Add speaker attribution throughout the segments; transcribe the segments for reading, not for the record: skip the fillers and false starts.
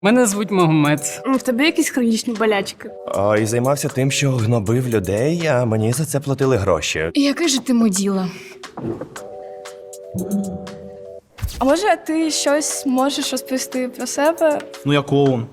Speaker 1: Мене звуть Магомед.
Speaker 2: В тебе якісь хронічні болячки?
Speaker 3: І займався тим, що гнобив людей, а мені за це платили гроші.
Speaker 4: Яке ж ти муділа?
Speaker 2: А може ти щось можеш розповісти про себе?
Speaker 5: Ну, я клоун.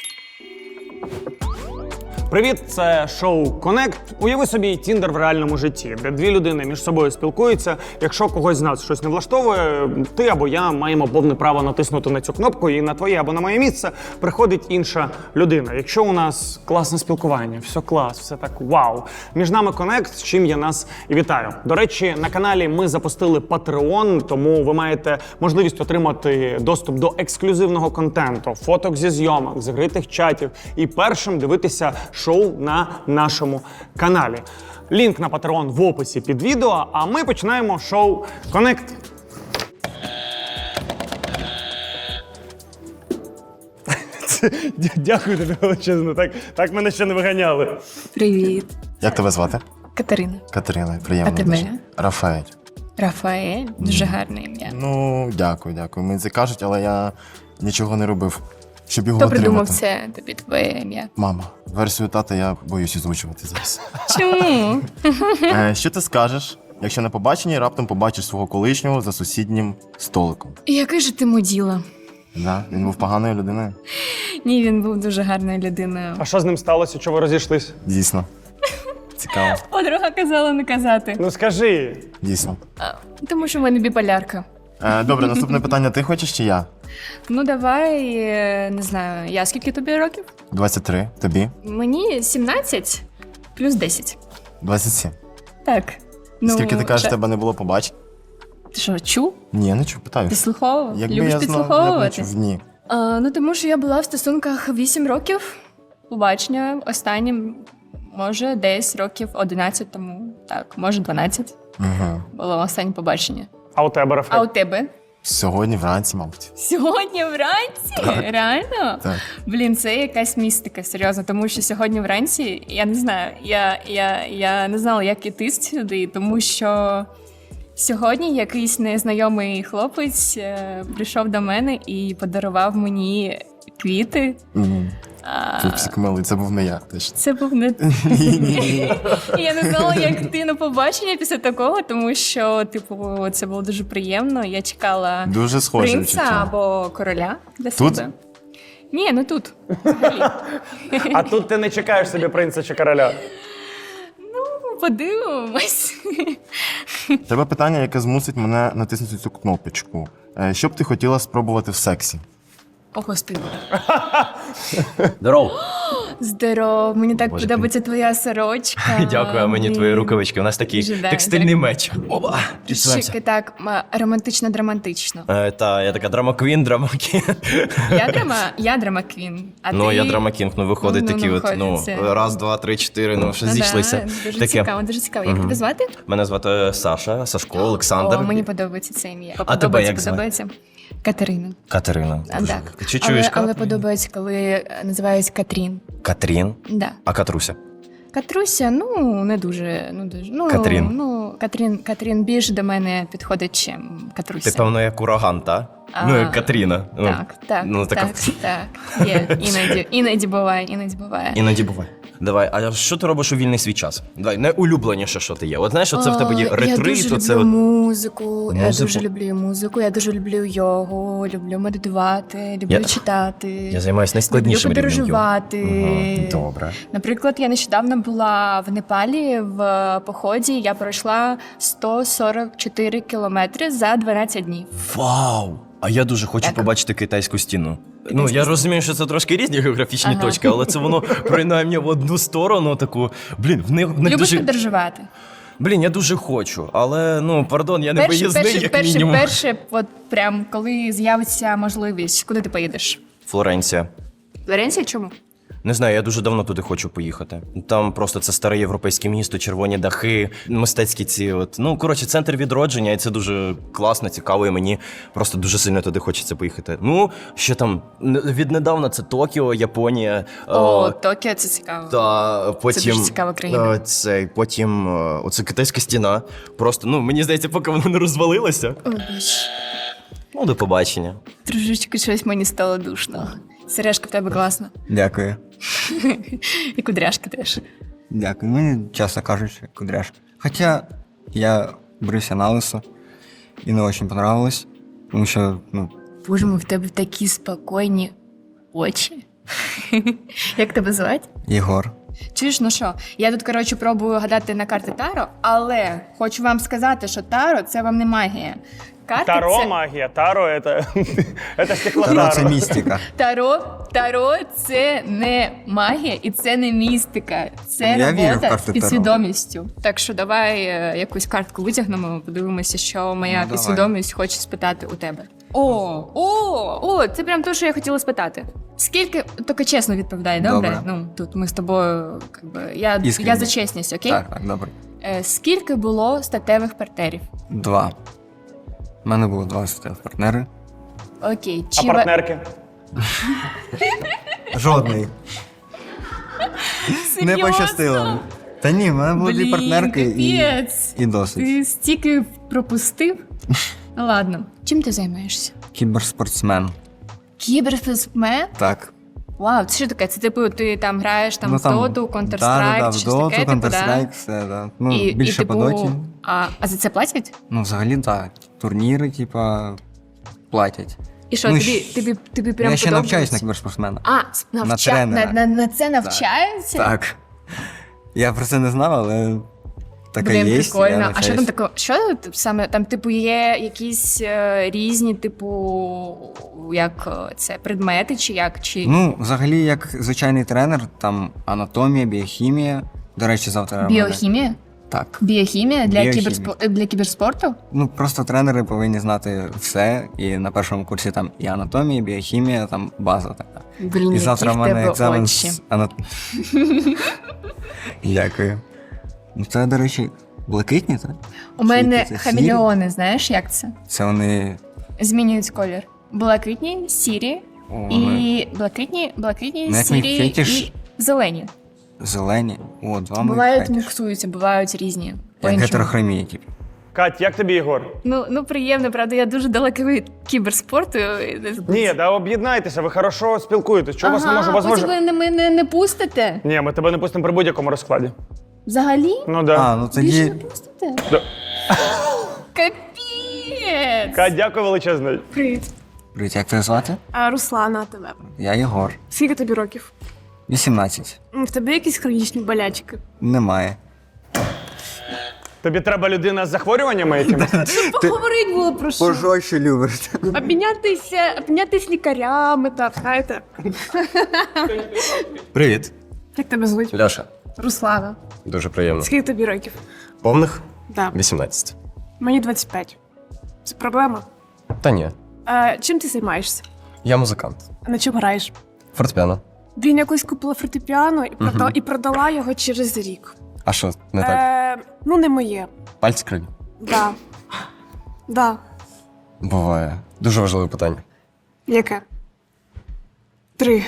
Speaker 5: Привіт, це шоу Connect. Уяви собі Тіндер в реальному житті, де дві людини між собою спілкуються. Якщо когось з нас щось не влаштовує, ти або я маємо повне право натиснути на цю кнопку, і на твоє або на моє місце приходить інша людина. Якщо у нас класне спілкування, все клас, все так вау. Між нами Connect, з чим я нас і вітаю. До речі, на каналі ми запустили Patreon, тому ви маєте можливість отримати доступ до ексклюзивного контенту, фоток зі зйомок, закритих чатів і першим дивитися шоу на нашому каналі. Лінк на Patreon в описі під відео, а ми починаємо шоу Connect. Дякую тобі величезно, так мене ще не виганяли.
Speaker 4: Привіт.
Speaker 6: Як тебе звати?
Speaker 4: Катерина.
Speaker 6: Катерина, приємно.
Speaker 4: А тебе?
Speaker 6: дуже. Рафаель.
Speaker 4: Рафаель. Дуже гарне ім'я.
Speaker 6: Ну, дякую. Мені це кажуть, але я нічого не робив, щоб його
Speaker 4: Хто
Speaker 6: отримати.
Speaker 4: придумав це тобі твоє ім'я?
Speaker 6: Мама. Версію тата я боюсь озвучувати зараз.
Speaker 4: Чому?
Speaker 6: Що ти скажеш, якщо на побаченні раптом побачиш свого колишнього за сусіднім столиком?
Speaker 4: Який же ти муділа?
Speaker 6: Да? Він був поганою людиною?
Speaker 4: Ні, він був дуже гарною людиною.
Speaker 5: А що з ним сталося, що ви розійшлись?
Speaker 6: Дійсно. Цікаво.
Speaker 4: Подруга казала не казати.
Speaker 5: Ну скажи.
Speaker 6: Дійсно.
Speaker 4: Тому що в мене біполярка.
Speaker 6: Добре, наступне питання. Ти хочеш чи я?
Speaker 4: Ну давай, не знаю, я скільки тобі років?
Speaker 6: 23. Тобі?
Speaker 4: Мені 17 плюс 10.
Speaker 6: 27.
Speaker 4: Так. Ну,
Speaker 6: Скільки ти кажеш, тебе не було побачень?
Speaker 4: Ти що, чув?
Speaker 6: Ні, я не чув, питаю.
Speaker 4: Підслуховував?
Speaker 6: Якби
Speaker 4: Любиш
Speaker 6: я знав, я б не
Speaker 4: підслуховувати?
Speaker 6: чув. Ні.
Speaker 4: Ну, тому що я була в стосунках 8 років. Побачення останнім, може, десь років 11 тому. Так, може, 12
Speaker 6: Угу.
Speaker 4: було останнє побачення.
Speaker 5: А у тебе,
Speaker 4: А
Speaker 5: Рафаель?
Speaker 4: у тебе?
Speaker 6: Сьогодні вранці, мабуть.
Speaker 4: Сьогодні вранці? Реально?
Speaker 6: Так.
Speaker 4: Блін, це якась містика, серйозно, тому що сьогодні вранці, я не знаю, я не знала, як іти сюди, тому що сьогодні якийсь незнайомий хлопець прийшов до мене і подарував мені квіти.
Speaker 6: Угу. Пупсик милий, це був не я. Точно.
Speaker 4: Це був не І я не знала, як йти на побачення після такого, тому що, типу, це було дуже приємно. Я чекала
Speaker 6: Дуже схоже
Speaker 4: принца
Speaker 6: відчуття.
Speaker 4: або короля для
Speaker 6: Тут?
Speaker 4: себе. Ні, не тут. Взагалі.
Speaker 5: А тут ти не чекаєш собі принца чи короля?
Speaker 4: Подивимось.
Speaker 6: Тебе питання, яке змусить мене натиснути цю кнопочку. Що б ти хотіла спробувати в сексі?
Speaker 4: О, господи.
Speaker 7: Здоров!
Speaker 4: Здоров, мені так
Speaker 7: Боже,
Speaker 4: подобається твоя сорочка.
Speaker 7: Дякую, а мені твої рукавички. У нас такий
Speaker 4: Дуже
Speaker 7: текстильний меч. Опа!
Speaker 4: Шики, так, романтично-драматично.
Speaker 7: Та, я така драма-квін, драма-кін.
Speaker 4: Я драма-квін, а
Speaker 7: Ну,
Speaker 4: ти...
Speaker 7: я драма-кінг, ну виходить
Speaker 4: Ну,
Speaker 7: такі от,
Speaker 4: виходить це.
Speaker 7: раз, два, три, чотири, ну, що
Speaker 4: Ну,
Speaker 7: зійшлися.
Speaker 4: Да, дуже
Speaker 7: Таке.
Speaker 4: цікаво, дуже цікаво. Як тебе звати?
Speaker 7: Мене звати Саша, Сашко, Олександр.
Speaker 4: О, мені подобається це ім'я.
Speaker 7: А тебе як звати?
Speaker 4: Подобається. Катерина.
Speaker 7: Катерина.
Speaker 4: А,
Speaker 7: Дуже.
Speaker 4: так.
Speaker 7: Чи чуєш
Speaker 4: але
Speaker 7: Катрін?
Speaker 4: подобається, коли називають Катрін.
Speaker 7: Катрін?
Speaker 4: Да.
Speaker 7: А Катруся?
Speaker 4: Катруся, ну, не дуже. Ну,
Speaker 7: Катрін.
Speaker 4: Ну, Катрін більш до мене підходить, чим Катруся.
Speaker 7: Ти, певно, як ураган, та? Ну, як Катріна. Ну,
Speaker 4: Так,
Speaker 7: ну, така...
Speaker 4: так. Є, іноді буває.
Speaker 7: Іноді буває. Давай, а що ти робиш у вільний свій час? Давай, найулюбленіше, що ти є. От знаєш, оце в тебе є
Speaker 4: Я
Speaker 7: ретрит,
Speaker 4: дуже
Speaker 7: оце
Speaker 4: люблю
Speaker 7: от...
Speaker 4: музику, я
Speaker 7: Музику?
Speaker 4: дуже люблю музику, я дуже люблю йогу, люблю медитувати, люблю читати.
Speaker 7: Я займаюся найскладнішим
Speaker 4: люблю
Speaker 7: рівнем йоги.
Speaker 4: подорожувати.
Speaker 7: Добре.
Speaker 4: Наприклад, я нещодавно була в Непалі в поході, я пройшла 144 кілометри за 12 днів.
Speaker 7: Вау! А я дуже хочу
Speaker 4: Так.
Speaker 7: побачити китайську стіну. Ну, я розумію, що це трошки різні географічні
Speaker 4: Ага.
Speaker 7: точки, але це воно принаймні в одну сторону таку. Блін, в них
Speaker 4: Любиш
Speaker 7: дуже...
Speaker 4: подорожувати?
Speaker 7: Блін, я дуже хочу, але, ну, пардон, я не виїзний, як мінімум.
Speaker 4: Перше, от прям коли з'явиться можливість, куди ти поїдеш?
Speaker 7: Флоренція.
Speaker 4: Флоренція чому?
Speaker 7: Не знаю, я дуже давно туди хочу поїхати. Там просто це старе європейське місто, червоні дахи, мистецькі ці от. Ну, коротше, центр відродження, і це дуже класно, цікаво, і мені просто дуже сильно туди хочеться поїхати. Ну, що там, віднедавна це Токіо, Японія.
Speaker 4: Токіо, це цікаво.
Speaker 7: Та потім
Speaker 4: Це дуже цікава країна.
Speaker 7: потім оце китайська стіна. Просто, ну, мені здається, поки вона не розвалилася.
Speaker 4: О, боже.
Speaker 7: Ну, до побачення.
Speaker 4: Трошечки щось мені стало душно. Сережка в тебе класна.
Speaker 1: Дякую.
Speaker 4: І кудряшки теж.
Speaker 1: Дякую. Мені часто кажуть, що кудряшки. Хоча я брився на лисо і не дуже понравилось, тому що, ну,
Speaker 4: Боже мой, в тебе такі спокійні очі. Як тебе звати?
Speaker 1: Єгор.
Speaker 4: Чуєш, ну що, я тут, коротше, пробую гадати на карти Таро, але хочу вам сказати, що Таро – це вам не магія. Карти
Speaker 5: Таро
Speaker 4: це...
Speaker 5: магія, таро це
Speaker 1: Таро
Speaker 5: стеклотаро.
Speaker 1: це містика.
Speaker 4: Таро – це не магія і це не містика. Це
Speaker 1: Я вірю в
Speaker 4: робота
Speaker 1: карти
Speaker 4: з
Speaker 1: Таро.
Speaker 4: підсвідомістю. Так що давай якусь картку витягнемо, подивимося, що моя
Speaker 1: Ну, давай.
Speaker 4: підсвідомість хоче спитати у тебе. О, це прям те, що я хотіла спитати. Скільки, тільки чесно відповідай, добре?
Speaker 1: Добре.
Speaker 4: Ну, тут ми з тобою, я
Speaker 1: Іскренні.
Speaker 4: за чесність, окей?
Speaker 1: Так, добре.
Speaker 4: Скільки було статевих партнерів?
Speaker 1: 2. У мене було 2 статевих партнери.
Speaker 4: Окей.
Speaker 5: А партнерки?
Speaker 1: Жодний. Не пощастило. Та ні, в мене було 2 партнерки
Speaker 4: капець.
Speaker 1: і досить.
Speaker 4: Ти стільки пропустив? Ну ладно. Чим ти займаєшся?
Speaker 1: Кіберспортсмен.
Speaker 4: Кіберспортсмен?
Speaker 1: Так.
Speaker 4: Вау, це що таке? Це типу ти там граєш там,
Speaker 1: Ну,
Speaker 4: в Доту, Counter-Strike,
Speaker 1: в
Speaker 4: чи щось
Speaker 1: Доту,
Speaker 4: таке, типу, да?
Speaker 1: Counter-Strike, все, да. Ну,
Speaker 4: І,
Speaker 1: більше
Speaker 4: типу,
Speaker 1: по Доті.
Speaker 4: А за це платять?
Speaker 1: Ну, взагалі, так. Турніри, типа, платять.
Speaker 4: І що,
Speaker 1: Ну,
Speaker 4: тобі прям
Speaker 1: Я ще
Speaker 4: подобається?
Speaker 1: навчаюсь на кіберспортсмена.
Speaker 4: На
Speaker 1: тренера.
Speaker 4: На це навчаються?
Speaker 1: Так. Я про це не знав, але таке
Speaker 4: Блін,
Speaker 1: є.
Speaker 4: прикольно. А що там таке? Що саме там, типу, є якісь різні, типу, як це предмети, чи як? Чи
Speaker 1: Ну, взагалі, як звичайний тренер, там анатомія, біохімія. До речі, завтра. в мене-
Speaker 4: біохімія?
Speaker 1: Так.
Speaker 4: Біохімія для
Speaker 1: Біохімія.
Speaker 4: для кіберспорту?
Speaker 1: Ну, просто тренери повинні знати все. І на першому курсі там і анатомія, і біохімія, там база така.
Speaker 4: Блін,
Speaker 1: І
Speaker 4: які
Speaker 1: завтра
Speaker 4: в
Speaker 1: в мене
Speaker 4: тебе
Speaker 1: екзамен
Speaker 4: очі.
Speaker 1: з Дякую. Ну, це, до речі, блакитні, так?
Speaker 4: У мене
Speaker 1: Які це,
Speaker 4: хамелеони, знаєш, як це?
Speaker 1: Це вони.
Speaker 4: Змінюють колір. Блакитні, сірі
Speaker 1: О,
Speaker 4: і блакитні,
Speaker 1: Ну, як мій
Speaker 4: сірі
Speaker 1: фетиш.
Speaker 4: і зелені.
Speaker 1: Зелені. О, два
Speaker 4: Бувають
Speaker 1: моїх фетиш.
Speaker 4: міксуються, бувають різні.
Speaker 1: Як
Speaker 4: по-іншому.
Speaker 1: гетерохромія, типу.
Speaker 5: Кать, як тобі, Ігор?
Speaker 4: Ну приємно, правда, я дуже далека від кіберспорту.
Speaker 5: Ні, да об'єднайтеся, ви хорошо спілкуєтесь. Чого вас не можу? Вас
Speaker 4: потім
Speaker 5: може...
Speaker 4: ви мене не пустите?
Speaker 5: Ні, ми тебе не пустимо при будь-якому розкладі.
Speaker 4: Взагалі?
Speaker 5: Ну да.
Speaker 1: А, ну
Speaker 4: Більше не
Speaker 1: тоді.
Speaker 4: пустите?
Speaker 5: Да.
Speaker 4: Капець!
Speaker 5: Кать, дякую величезно.
Speaker 2: Привіт.
Speaker 1: Привіт, як тебе звати?
Speaker 2: Руслана, а тебе?
Speaker 1: Я Єгор.
Speaker 2: Скільки тобі років?
Speaker 1: 18.
Speaker 2: В тебе якісь хронічні болячки?
Speaker 1: Немає.
Speaker 5: Тобі треба людина з захворюваннями якимись?
Speaker 2: Поговорить було про що?
Speaker 1: Пожорстче любиш.
Speaker 2: Обмінятись лікарями, так, знаєте.
Speaker 7: Привіт,
Speaker 2: Як тебе звуть?
Speaker 7: Льоша.
Speaker 2: Руслана.
Speaker 7: Дуже приємно.
Speaker 2: Скільки тобі років?
Speaker 7: Повних?
Speaker 2: Да.
Speaker 7: 18.
Speaker 2: Мені 25. Це проблема?
Speaker 7: Та ні.
Speaker 2: Чим ти займаєшся?
Speaker 7: Я музикант.
Speaker 2: А на чому граєш?
Speaker 7: Фортепіано.
Speaker 2: Він якось купила фортепіано і продала його через рік.
Speaker 7: А що, не так?
Speaker 2: Ну, не моє.
Speaker 7: Пальці криві?
Speaker 2: Да. Да.
Speaker 7: Буває. Дуже важливе питання.
Speaker 2: Яке? 3.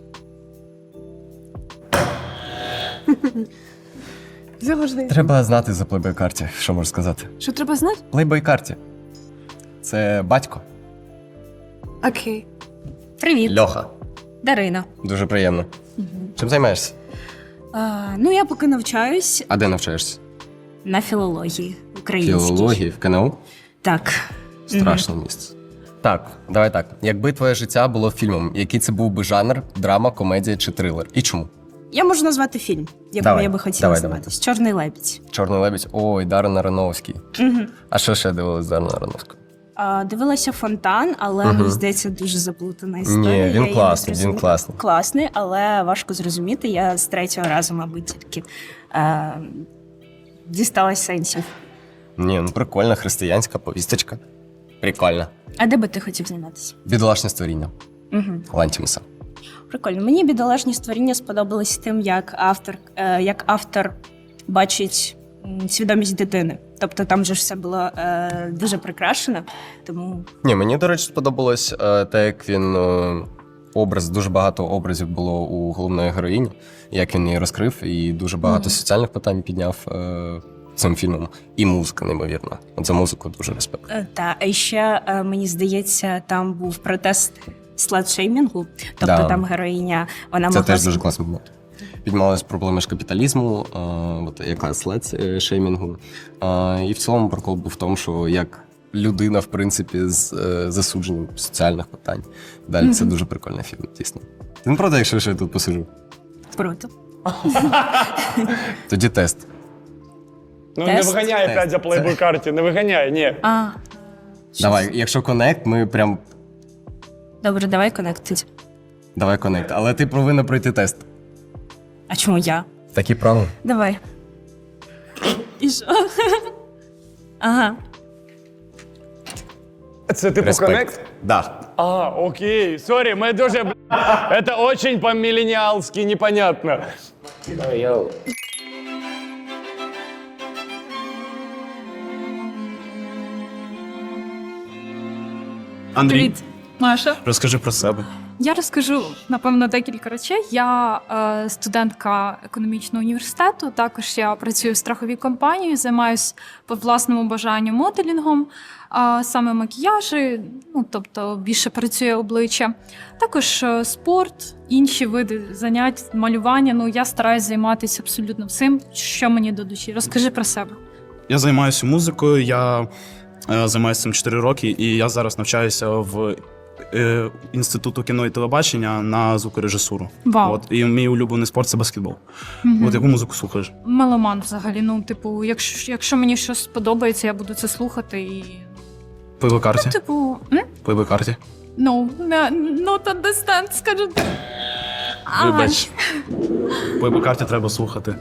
Speaker 2: Завжди.
Speaker 7: Треба знати за плейбой-карті, що можу сказати.
Speaker 2: Що треба знати?
Speaker 7: Плейбой-карті. Це батько.
Speaker 2: Окей.
Speaker 8: Привіт,
Speaker 7: Льоха.
Speaker 8: Дарина.
Speaker 7: Дуже приємно. Чим займаєшся?
Speaker 8: Ну, я поки навчаюсь
Speaker 7: А де навчаєшся?
Speaker 8: на філології українській.
Speaker 7: Філології в КНУ?
Speaker 8: Так.
Speaker 7: Страшне місце. Так, давай так. Якби твоє життя було фільмом, який це був би жанр, драма, комедія чи трилер? І чому?
Speaker 8: Я можу назвати фільм, якому
Speaker 7: Давай,
Speaker 8: я би хотіла
Speaker 7: давай,
Speaker 8: зніматись. Чорний лебідь.
Speaker 7: Чорний лебідь. Ой, Дарren Аронофський. А що ще дивилась Дарren Аронофського?
Speaker 8: Дивилася фонтан, але мені здається, дуже заплутана історія.
Speaker 7: Ні,
Speaker 8: Я
Speaker 7: він
Speaker 8: її не
Speaker 7: класний, він
Speaker 8: зрозуміла.
Speaker 7: класний.
Speaker 8: Класний, але важко зрозуміти. Я з третього разу, мабуть, тільки дісталась сенсів.
Speaker 7: Ні, ну прикольна християнська повісточка. Прикольно.
Speaker 8: А де би ти хотів зніматися?
Speaker 7: Бідолашне створіння. Лантімуса.
Speaker 8: Прикольно. Мені бідолашні створіння сподобалось тим, як автор бачить свідомість дитини. Тобто там же ж все було дуже прикрашено, тому
Speaker 7: Ні, мені, до речі, сподобалось те, як він дуже багато образів було у головної героїні, як він її розкрив, і дуже багато соціальних питань підняв цим фільмом. І музика, неймовірна. От за музику дуже респект.
Speaker 8: та і ще мені здається, там був протест слет-шеймінгу. Тобто
Speaker 9: Да.
Speaker 8: там героїня, вона
Speaker 9: Це
Speaker 8: могла...
Speaker 9: теж дуже класний момент. Піднімалися проблеми ж капіталізму, от якраз след-шеймінгу. І в цілому прикол був в тому, що як людина, в принципі, з засудженням соціальних питань. Далі це дуже прикольний фільм, дійсно. Ну, правда, якщо я тут посиджу.
Speaker 8: Круто.
Speaker 9: Тоді тест.
Speaker 5: Ну
Speaker 8: Тест?
Speaker 5: не виганяй опять за плейбой карті, не виганяй, ні.
Speaker 8: А,
Speaker 9: Давай, якщо коннект, ми прям.
Speaker 8: добре, давай коннектить.
Speaker 9: Давай коннект. Але ти повинна пройти тест.
Speaker 8: А чому я?
Speaker 9: Такі правила.
Speaker 8: Давай. І що? Ага.
Speaker 5: Це типу
Speaker 9: Респект.
Speaker 5: коннект?
Speaker 9: Да.
Speaker 5: А, окей, сорі, ми дуже, это очень по-миллениалски непонятно.
Speaker 10: Андрій,
Speaker 4: Привіт, Маша.
Speaker 10: розкажи про себе.
Speaker 4: Я розкажу, напевно, декілька речей. Я студентка економічного університету. Також я працюю в страховій компанії, займаюся по власному бажанню моделінгом, саме макіяжі, ну тобто більше працює обличчя. Також спорт, інші види занять, малювання. Ну я стараюсь займатися абсолютно всім, що мені до душі. Розкажи про себе.
Speaker 10: Я займаюся музикою, я займаюся цим 4 роки, і я зараз навчаюся в Інституту кіно і телебачення на звукорежисуру.
Speaker 4: Вау.
Speaker 10: От, і мій улюблений спорт це баскетбол. От яку музику слухаєш?
Speaker 4: Меломан взагалі. Ну, типу, якщо мені щось сподобається, я буду це слухати і.
Speaker 10: По карті?
Speaker 4: Типу,
Speaker 10: По карті.
Speaker 4: no, not understand, скажу.
Speaker 10: Вибач. По карті треба слухати.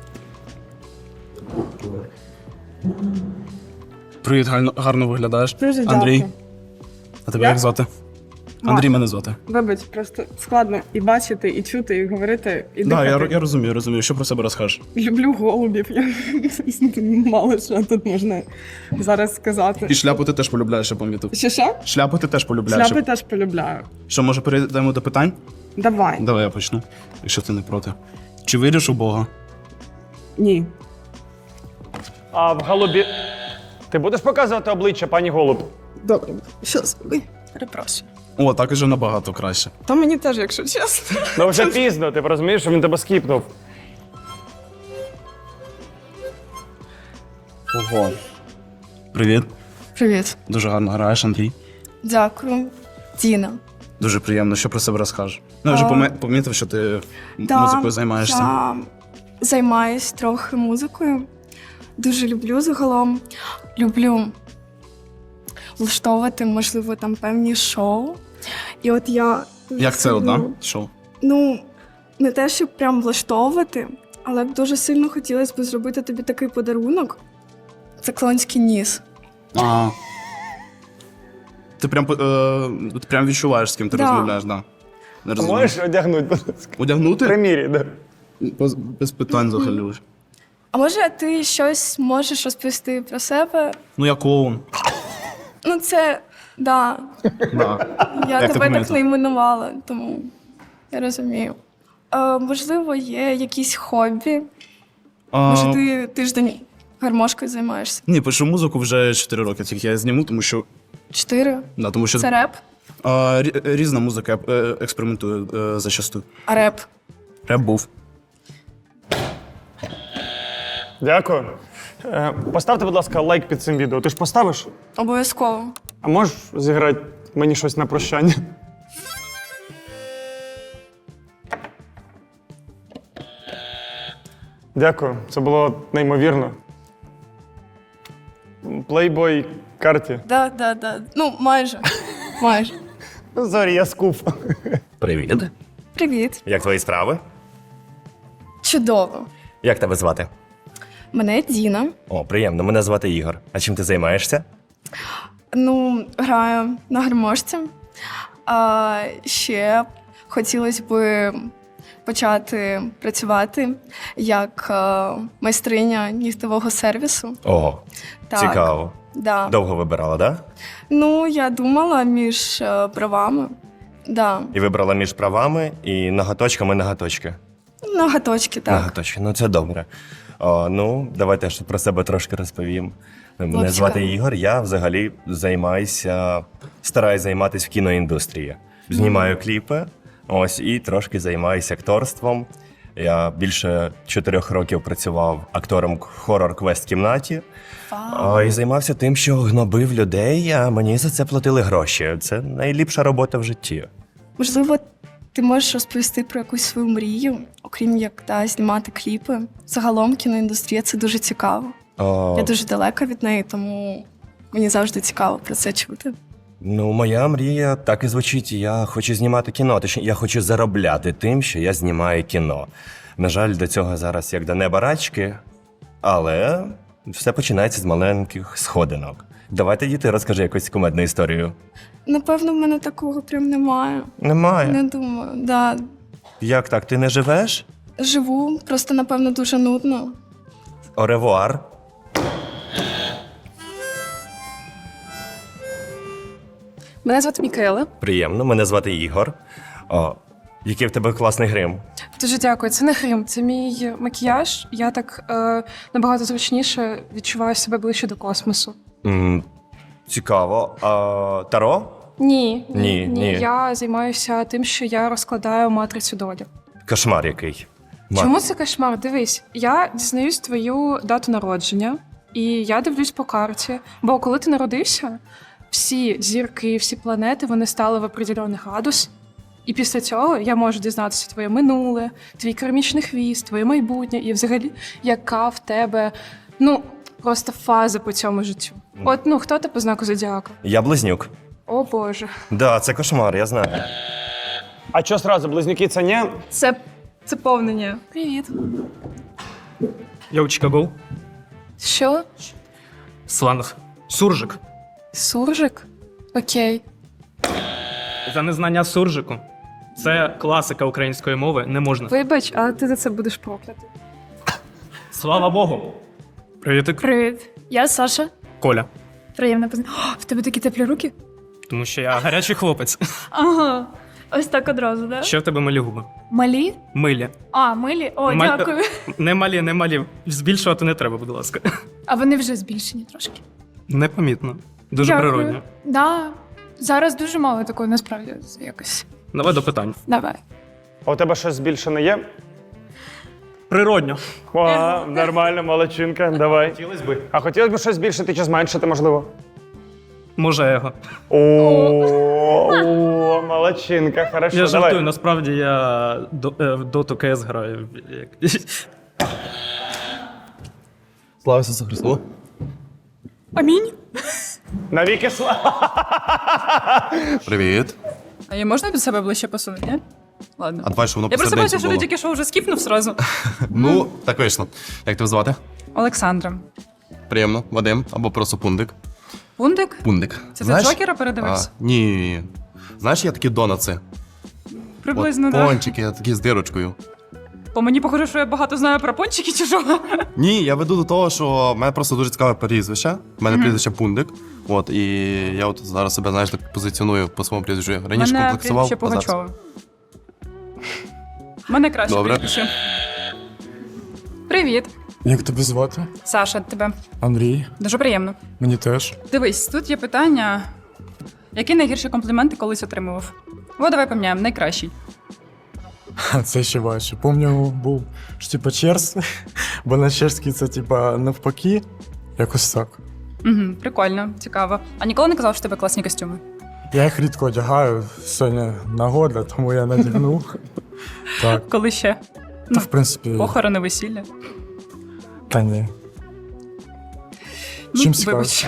Speaker 10: Привіт, гарно виглядаєш.
Speaker 11: Дуже
Speaker 10: Андрій.
Speaker 11: дякую.
Speaker 10: А тебе як звати? Андрій мене звати.
Speaker 11: Вибач, просто складно і бачити, і чути, і говорити, і
Speaker 10: Так,
Speaker 11: дихати.
Speaker 10: я розумію. Що про себе розкажеш?
Speaker 11: Люблю голубів. Я мало що тут можна зараз сказати.
Speaker 10: І шляпу ти теж полюбляєш, я помітив.
Speaker 11: Що?
Speaker 10: Шляпу ти теж полюбляєш.
Speaker 11: Шляпи теж полюбляю.
Speaker 10: Що, може, перейдемо до питань?
Speaker 11: Давай.
Speaker 10: Давай я почну, якщо ти не проти. Чи віриш у Бога?
Speaker 11: Ні.
Speaker 5: А в голубі. Ти будеш показувати обличчя, пані голуб?
Speaker 11: Добре. Щас. Ой, перепрошую.
Speaker 10: О, так уже набагато краще.
Speaker 11: Та мені теж, якщо чесно.
Speaker 5: Ну вже пізно, ти розумієш, що він тебе скіпнув.
Speaker 1: Ого.
Speaker 10: Привіт.
Speaker 2: Привіт.
Speaker 10: Дуже гарно граєш, Андрій.
Speaker 2: Дякую. Діна.
Speaker 10: Дуже приємно, що про себе розкажеш. Ну, я вже помітив, що ти музикою займаєшся.
Speaker 2: Я займаюсь трохи музикою. Дуже люблю загалом. Люблю влаштовувати, можливо, там певні шоу. І от я...
Speaker 10: Як це одна? Шоу?
Speaker 2: Ну, не те, щоб прям влаштовувати, але б дуже сильно хотілося б зробити тобі такий подарунок. Це клоунський ніс.
Speaker 10: А. Ти прям відчуваєш, з ким ти
Speaker 2: Да.
Speaker 10: розмовляєш, да. Не розумію.
Speaker 5: Можеш одягнути, будь ласка?
Speaker 10: Одягнути?
Speaker 5: Примірі, да.
Speaker 10: Без питань взагалі.
Speaker 2: А може ти щось можеш розповісти про себе?
Speaker 10: Ну, я клоун.
Speaker 2: Ну, це, да.
Speaker 10: Да.
Speaker 2: Я
Speaker 10: Як ти
Speaker 2: тебе так
Speaker 10: помітила?
Speaker 2: не іменувала, тому я розумію. Можливо, є якісь хобі? Може, ти тиждень гармошкою займаєшся?
Speaker 10: Ні, пишу музику вже 4 роки, тільки я зніму, тому що.
Speaker 2: 4?
Speaker 10: Да, тому що
Speaker 2: Це реп?
Speaker 10: різна музика, я експериментую зачасту.
Speaker 2: А реп?
Speaker 10: Реп був.
Speaker 5: Дякую. Поставте, будь ласка, лайк під цим відео. Ти ж поставиш?
Speaker 2: Обов'язково.
Speaker 5: А можеш зіграти мені щось на прощання? Дякую, це було неймовірно. Плейбой карті.
Speaker 2: Да. Ну, майже. Майже.
Speaker 5: Зорі, я скуп.
Speaker 7: Привіт.
Speaker 2: Привіт.
Speaker 7: Як твої справи?
Speaker 2: Чудово.
Speaker 7: Як тебе звати?
Speaker 2: Мене Діна.
Speaker 7: О, приємно. Мене звати Ігор. А чим ти займаєшся?
Speaker 2: Ну, граю на гармошці. А ще хотілося б почати працювати як майстриня нігтевого сервісу.
Speaker 7: Ого,
Speaker 2: Так.
Speaker 7: цікаво.
Speaker 2: Да.
Speaker 7: Довго вибирала, да?
Speaker 2: Ну, я думала між правами. Да.
Speaker 7: І вибрала між правами і ноготочки.
Speaker 2: Ноготочки, так.
Speaker 7: Ноготочки, ну це добре. Ну, давайте я про себе трошки розповім. Мене
Speaker 2: От
Speaker 7: звати
Speaker 2: цікаво.
Speaker 7: Ігор, я взагалі стараюсь займатися в кіноіндустрії.
Speaker 3: знімаю кліпи, ось, і трошки займаюся акторством. Я більше 4 років працював актором в хорор-квест-кімнаті. І займався тим, що гнобив людей, а мені за це платили гроші. Це найліпша робота в житті.
Speaker 2: Можливо, ти можеш розповісти про якусь свою мрію, окрім як знімати кліпи. Загалом кіноіндустрія це дуже цікаво. Я дуже далека від неї, тому мені завжди цікаво про це чути.
Speaker 3: Ну, моя мрія так і звучить. Я хочу знімати кіно. Точніше, я хочу заробляти тим, що я знімаю кіно. На жаль, до цього зараз як до неба рачки, але все починається з маленьких сходинок. Давайте, діти, розкажи якусь кумедну історію.
Speaker 2: Напевно, в мене такого прям немає.
Speaker 3: Немає.
Speaker 2: Не думаю. Да.
Speaker 3: Як так? Ти не живеш?
Speaker 2: Живу, просто, напевно, дуже нудно.
Speaker 3: Оревуар.
Speaker 11: Мене звати Мікаела.
Speaker 3: Приємно, мене звати Ігор. Який в тебе класний грим.
Speaker 11: Дуже дякую. Це не грим, це мій макіяж. Я так набагато зручніше відчуваю себе ближче до космосу.
Speaker 3: Цікаво. Таро?
Speaker 11: Ні. Я займаюся тим, що я розкладаю матрицю долі.
Speaker 3: Кошмар який.
Speaker 11: Чому це кошмар? Дивись, я дізнаюсь твою дату народження, і я дивлюсь по карті. Бо коли ти народився, всі зірки, всі планети, вони стали в определений градус. І після цього я можу дізнатися твоє минуле, твій кармічний хвіст, твоє майбутнє, і взагалі, яка в тебе, просто фаза по цьому життю. От, хто ти по знаку зодіака?
Speaker 3: Я близнюк.
Speaker 11: О, Боже.
Speaker 3: Да, це кошмар, я знаю.
Speaker 5: А що сразу, близнюки це ні?
Speaker 11: Це повнення. Привіт.
Speaker 10: Я у Чикаго.
Speaker 11: Що?
Speaker 10: Сланг. Суржик.
Speaker 11: Суржик? Окей.
Speaker 10: За незнання суржику. Це класика української мови, не можна.
Speaker 11: Вибач, але ти за це будеш проклятий.
Speaker 10: Слава Богу. Привітик.
Speaker 2: Привіт. Я Саша.
Speaker 10: Коля.
Speaker 2: Приємно познайомитися. В тебе такі теплі руки?
Speaker 10: Тому що я гарячий хлопець.
Speaker 2: Ага. Ось так одразу, да?
Speaker 10: Ще в тебе малі губи.
Speaker 2: Малі?
Speaker 10: Милі.
Speaker 2: А, милі? О,
Speaker 10: Ма-
Speaker 2: дякую.
Speaker 10: Не малі. Збільшувати не треба, будь ласка.
Speaker 2: А вони вже збільшені трошки.
Speaker 10: Непомітно. Дуже
Speaker 2: Дякую.
Speaker 10: природньо.
Speaker 2: Да. Зараз дуже мало такого, насправді, якось.
Speaker 10: Давай до питань.
Speaker 2: Давай.
Speaker 5: А у тебе щось збільшене є?
Speaker 10: Природньо.
Speaker 5: О, нормально, молодчинка, давай. Хотілося б. А хотілося б щось збільшити чи зменшити, можливо?
Speaker 10: Може його.
Speaker 5: О, молодчинка, хорошо,
Speaker 10: Я жартую,
Speaker 5: давай.
Speaker 10: насправді я в доту КС граю.
Speaker 9: Слава Ісусу Христу.
Speaker 11: Амінь.
Speaker 5: Навіки слава.
Speaker 9: Привіт.
Speaker 11: А я можна від себе ближче посунути, ні? Ладно.
Speaker 9: А давай, що воно
Speaker 11: Я просто
Speaker 9: посередині
Speaker 11: бачу, що ти
Speaker 9: було.
Speaker 11: тільки що вже скіпнув сразу.
Speaker 9: Ну, так вийшло. Як тебе звати?
Speaker 11: Олександра.
Speaker 9: Приємно. Вадим або просто Пундик.
Speaker 11: Пундик?
Speaker 9: Пундик.
Speaker 11: Це за Джокера передивився?
Speaker 9: Ні. Знаєш, є такі донатси.
Speaker 11: Приблизно,
Speaker 9: От,
Speaker 11: так.
Speaker 9: пончики, такі з дирочкою.
Speaker 11: По мені похоже, що я багато знаю про пончики чи що?
Speaker 9: Ні, я веду до того, що в мене просто дуже цікаве прізвище. У мене прізвище Пундик. От, і я от зараз себе, знаєш, так позиціоную по своєму прізвищу. Раніше
Speaker 11: Мене
Speaker 9: комплексував.
Speaker 11: прізвище
Speaker 9: а зараз-
Speaker 11: Пугачова. Мене краще
Speaker 9: Добре.
Speaker 11: прізвище. Привіт.
Speaker 12: Як тебе звати?
Speaker 11: Саша, тебе.
Speaker 12: Андрій.
Speaker 11: Дуже приємно.
Speaker 12: Мені теж.
Speaker 11: Дивись, тут є питання. Які найгірші компліменти колись отримував? О, давай поміняємо, найкращий.
Speaker 12: Це ще важче. Помню, був що, типа черс, бо на чешській це типа навпаки. Якось так.
Speaker 11: Угу, прикольно, цікаво. А ніколи не казав, що в тебе класні костюми?
Speaker 12: Я їх рідко одягаю. Сьогодні нагода, тому я надягнув. Так.
Speaker 11: Коли ще?
Speaker 12: Та, в принципі,
Speaker 11: Похорони, весілля.
Speaker 12: та ні. Чим цікавишся?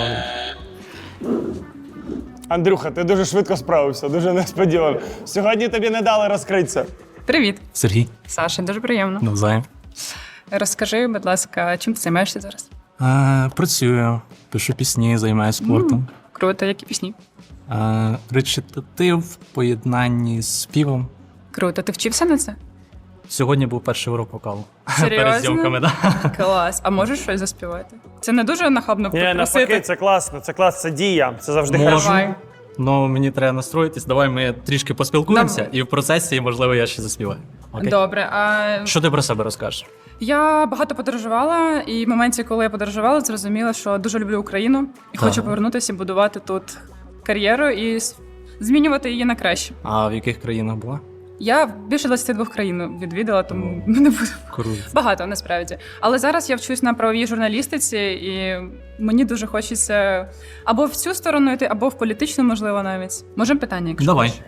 Speaker 5: Андрюха, ти дуже швидко справився, дуже несподівано. Сьогодні тобі не дали розкритися.
Speaker 11: Привіт.
Speaker 10: Сергій.
Speaker 11: Саша, дуже приємно.
Speaker 10: Навзаєм.
Speaker 11: Розкажи, будь ласка, чим ти займаєшся зараз?
Speaker 10: Працюю, пишу пісні, займаюся спортом.
Speaker 11: Круто, які пісні?
Speaker 10: Речитатив в поєднанні з співом.
Speaker 11: Круто, ти вчився на це?
Speaker 10: Сьогодні був перший урок вокалу.
Speaker 11: Серйозно?
Speaker 10: Перед зйомками, так.
Speaker 11: Клас. А можеш щось заспівати? Це не дуже нахабно
Speaker 5: Ні, навпаки,
Speaker 11: попросити?
Speaker 5: це класно, це дія, це завжди
Speaker 10: Можу.
Speaker 5: хорошо.
Speaker 11: Давай.
Speaker 10: Ну, мені треба настроїтись. Давай ми трішки поспілкуємося, і в процесі, можливо, я ще заспіваю. Окей?
Speaker 11: Добре, а
Speaker 10: Що ти про себе розкажеш?
Speaker 11: я багато подорожувала, і в моменті, коли я подорожувала, зрозуміла, що дуже люблю Україну і хочу повернутися і будувати тут кар'єру і
Speaker 13: змінювати її на краще.
Speaker 12: А в яких країнах була?
Speaker 13: Я більше 22 країн відвідала, тому не буду.
Speaker 12: Круто.
Speaker 13: Багато насправді. Але зараз я вчусь на правовій журналістиці, і мені дуже хочеться або в цю сторону йти, або в політичну, можливо, навіть. Можемо питання, якщо
Speaker 12: Давай.
Speaker 13: хочеш?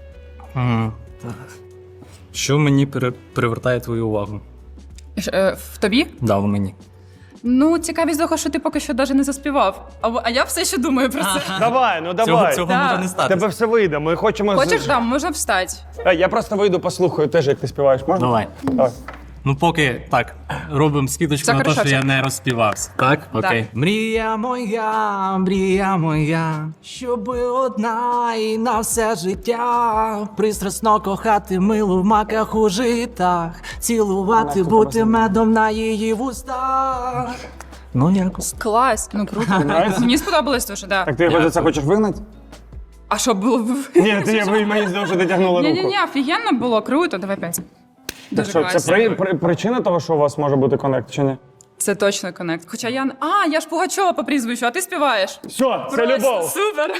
Speaker 12: Що мені привертає твою увагу?
Speaker 13: В тобі?
Speaker 12: Да, в мені.
Speaker 13: Ну, цікавість того, що ти поки що навіть не заспівав. А я все ще думаю про це.
Speaker 5: Давай, ну давай.
Speaker 12: Цього
Speaker 13: Да.
Speaker 12: може не стати.
Speaker 5: Тебе все вийде. Ми хочемо.
Speaker 13: Хочеш, там, можна встати.
Speaker 5: Я просто вийду, послухаю теж, як ти співаєш. Можна?
Speaker 12: Давай.
Speaker 5: Давай.
Speaker 12: Ну, поки так, робимо скидочку
Speaker 13: Це
Speaker 12: на те,
Speaker 13: хорошо,
Speaker 12: що я
Speaker 13: це.
Speaker 12: не розспівався. Так? Окей. Мрія моя, щоб одна і на все життя. Пристрасно кохати милу в маках у житах, цілувати, бути медом на її вустах. Ну, якось.
Speaker 13: Клас, ну круто. Мені сподобалось дуже, так.
Speaker 5: Так ти його за це хочеш вигнати?
Speaker 13: А що було б?
Speaker 5: Ні, ти мені знову ж дотягнула руку.
Speaker 13: Ні, офігенно було, круто, давай 5. Дуже
Speaker 5: Що,
Speaker 13: класно.
Speaker 5: це причина того, що у вас може бути коннект, чи ні?
Speaker 13: Це точно коннект. Хоча я ж Пугачова по прізвищу, а ти співаєш.
Speaker 5: Все, це
Speaker 13: Просто
Speaker 5: любов.
Speaker 13: супер.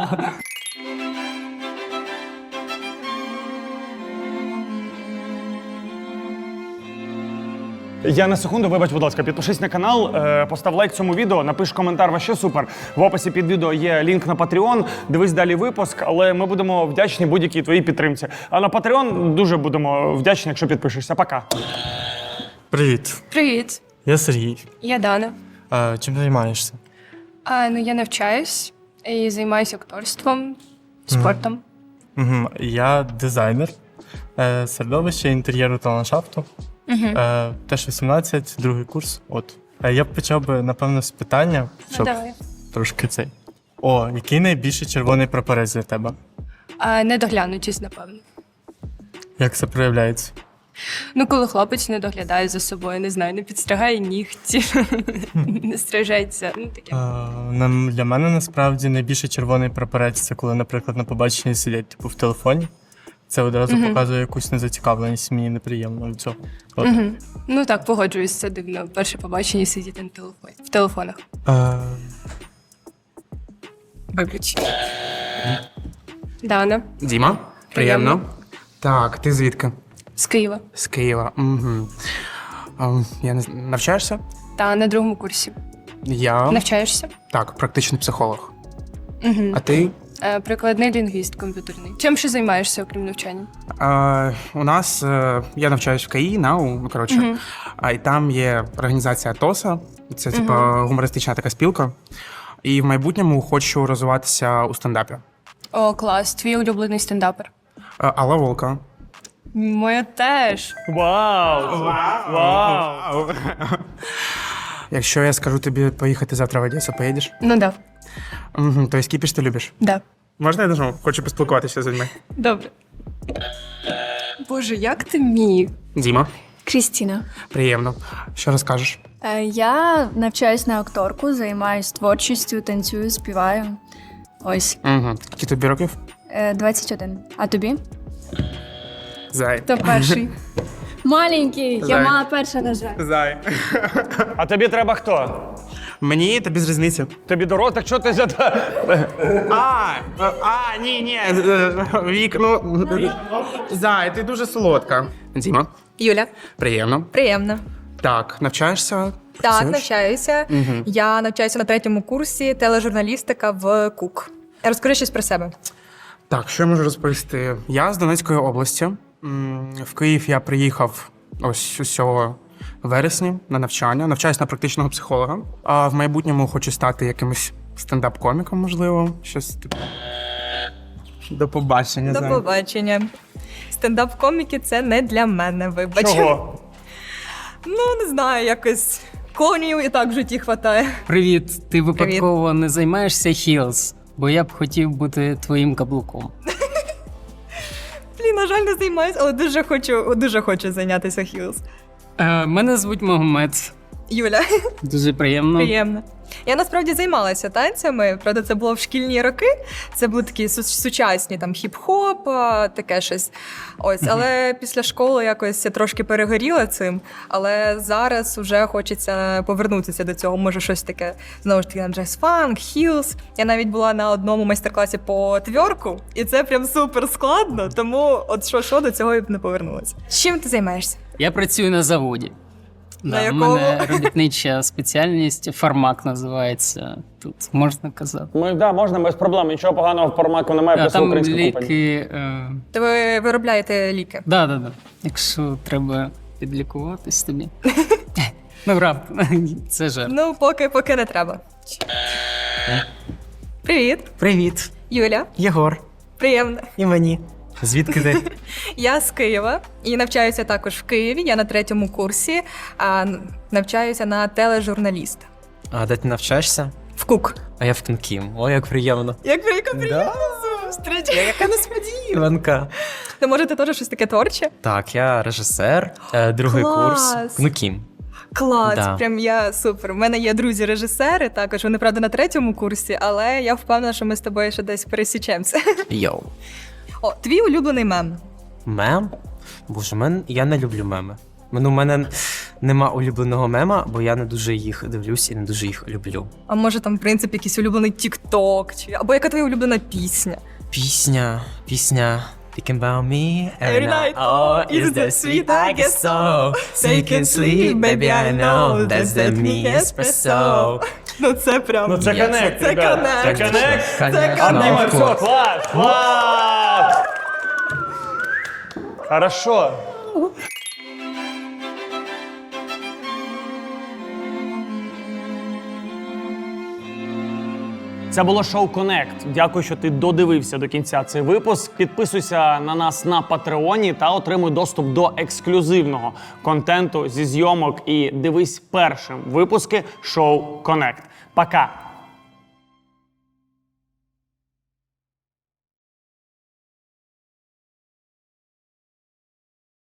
Speaker 5: Я на секунду, вибач, будь ласка, підпишись на канал, постав лайк цьому відео, напиш коментар, вообще супер. В описі під відео є лінк на Patreon, дивись далі випуск, але ми будемо вдячні будь-якій твоїй підтримці. А на Patreon дуже будемо вдячні, якщо підпишешся. Пока.
Speaker 12: Привіт.
Speaker 2: Привіт,
Speaker 12: Я Сергій.
Speaker 2: я Дана.
Speaker 12: Чим займаєшся?
Speaker 2: Я навчаюсь і займаюся акторством, спортом.
Speaker 12: Я дизайнер середовища, інтер'єру та ландшафту. Теж 18, другий курс. От. Я б почав би, напевно, з питання, щоб
Speaker 2: Давай.
Speaker 12: трошки цей. Який найбільший червоний прапорець для тебе?
Speaker 2: Недоглянутість, напевно.
Speaker 12: Як це проявляється?
Speaker 2: Ну, коли хлопець не доглядає за собою, не знаю, не підстригає нігті, не стрижеться. Ну, таке.
Speaker 12: Для мене насправді найбільший червоний прапорець це коли, наприклад, на побаченні сидять типу в телефоні. Це одразу показує якусь незацікавленість, мені неприємно від цього. От.
Speaker 2: Ну так, погоджуюсь, це дивно. Перше побачення сидіти на телефоні. В телефонах.
Speaker 13: Вибач.
Speaker 2: Дана.
Speaker 14: Діма, приємно. Так, ти звідки?
Speaker 2: З Києва.
Speaker 14: З Києва. Угу. Я не навчаєшся?
Speaker 2: Та на другому курсі.
Speaker 14: Я
Speaker 2: Навчаєшся?
Speaker 14: так, практичний психолог.
Speaker 2: Угу.
Speaker 14: А ти?
Speaker 2: Прикладний лінгвіст комп'ютерний. Чим ще займаєшся, окрім навчання?
Speaker 14: У нас я навчаюсь в КАІ, НАУ, коротше. І там є організація ТОСА. Це типу гумористична така спілка. І в майбутньому хочу розвиватися у стендапі.
Speaker 2: О, клас. Твій улюблений стендапер.
Speaker 14: Алла Волка.
Speaker 2: Моя теж.
Speaker 5: Вау! Вау!
Speaker 14: Якщо я скажу тобі поїхати завтра в Одесу, поїдеш?
Speaker 2: Ну да.
Speaker 14: Тобто кіпіш ти любиш?
Speaker 2: Да.
Speaker 14: Можна я нажму? Хочу поспілкуватися з людьми.
Speaker 2: Добре. Боже, як ти міг?
Speaker 14: Діма,
Speaker 2: Крістіна.
Speaker 14: приємно. Що розкажеш?
Speaker 15: Я навчаюсь на акторку, займаюсь творчістю, танцюю, співаю. Ось.
Speaker 14: Скільки тобі років?
Speaker 15: 21. А тобі?
Speaker 14: Зай.
Speaker 15: Хто перший? Маленький,
Speaker 14: Зай.
Speaker 15: я мала перша, на жаль.
Speaker 14: Зай.
Speaker 5: А тобі треба хто?
Speaker 14: Мені та без різниці.
Speaker 5: Тобі дорос, так що ти за...
Speaker 14: Ні. Вік, ну... Зай, ти дуже солодка. Діма,
Speaker 16: Юля,
Speaker 14: приємно.
Speaker 16: приємно.
Speaker 14: Так, навчаєшся?
Speaker 16: Так,
Speaker 14: Працюєш?
Speaker 16: навчаюся. Я навчаюся на 3-му курсі тележурналістика в КУК. Розкажи щось про себе.
Speaker 14: Так, що я можу розповісти? Я з Донецької області. В Київ я приїхав ось усього вересні на навчання. Навчаюсь на практичного психолога. А в майбутньому хочу стати якимось стендап-коміком, можливо. Щось типу. До побачення.
Speaker 16: До
Speaker 14: Зай.
Speaker 16: побачення. Стендап-коміки це не для мене, вибач.
Speaker 5: Чого?
Speaker 16: Ну, не знаю, якось конів і так в житті хватає.
Speaker 17: Привіт, ти випадково не займаєшся хілс? Бо я б хотів бути твоїм каблуком.
Speaker 16: Блін, на жаль, не займаюся, але дуже хочу зайнятися хілс.
Speaker 17: Мене звуть Магомед.
Speaker 16: Юля,
Speaker 17: Дуже приємно.
Speaker 16: приємно. Я насправді займалася танцями, правда, це було в шкільні роки. Це були такі сучасні там хіп-хоп, таке щось. Ось, але після школи якось я трошки перегоріла цим. Але зараз вже хочеться повернутися до цього. Може, щось таке знову ж таки на джаз-фанк, хілс. Я навіть була на одному майстер-класі по тверку, і це прям супер складно. Тому от що до цього я б не повернулася. Чим ти займаєшся?
Speaker 17: Я працюю на заводі.
Speaker 16: На
Speaker 17: У
Speaker 16: якому?
Speaker 17: мене робітнича спеціальність, фармак називається. Тут можна казати.
Speaker 5: Можна без проблем. Нічого поганого в формаку немає, просто
Speaker 17: Там
Speaker 5: українська компанія.
Speaker 17: ліки.
Speaker 16: То ви виробляєте ліки?
Speaker 17: Да. Якщо треба підлікуватись тобі. Ну, правда, це жарт.
Speaker 16: Ну, поки не треба. Привіт,
Speaker 12: Привіт,
Speaker 16: Юля.
Speaker 12: Єгор.
Speaker 16: Приємно.
Speaker 12: І мені. Звідки ти?
Speaker 16: Я з Києва і навчаюся також в Києві. Я на 3-му курсі, навчаюся на тележурналіста.
Speaker 12: А де ти навчаєшся?
Speaker 16: В КУК.
Speaker 12: А я в Кінкім. О, як приємно.
Speaker 16: Як приємно зустріч.
Speaker 12: Яка несподіванка.
Speaker 16: То може ти теж щось таке творче?
Speaker 12: Так, я режисер, другий
Speaker 16: Клас!
Speaker 12: курс. КНУКІМ.
Speaker 16: Клас,
Speaker 12: Да.
Speaker 16: прям я супер. У мене є друзі-режисери, також вони, правда, на 3-му курсі, але я впевнена, що ми з тобою ще десь пересічемося.
Speaker 12: Йоу.
Speaker 16: О, твій улюблений мем.
Speaker 12: Мем? Боже, я не люблю меми. У мене нема улюбленого мема, бо я не дуже їх дивлюсь і не дуже їх люблю.
Speaker 16: А може там, в принципі, якийсь улюблений тік-ток, або яка твоя улюблена пісня?
Speaker 12: Пісня. Thinking about me
Speaker 16: Every night.
Speaker 12: Oh, is that sweet? I guess so. So you can sleep, baby, I know. That's the me espresso.
Speaker 16: Ну це прям.
Speaker 5: Ну це коннект,
Speaker 16: Це
Speaker 5: ребят.
Speaker 16: коннект.
Speaker 5: Це коннект.
Speaker 16: Це
Speaker 5: Обніми,
Speaker 16: коннект.
Speaker 5: все, клас, клас. Хорошо. Це було шоу Connect. Дякую, що ти додивився до кінця цей випуск. Підписуйся на нас на Патреоні та отримуй доступ до ексклюзивного контенту зі зйомок і дивись першим випуски шоу Connect. Пока!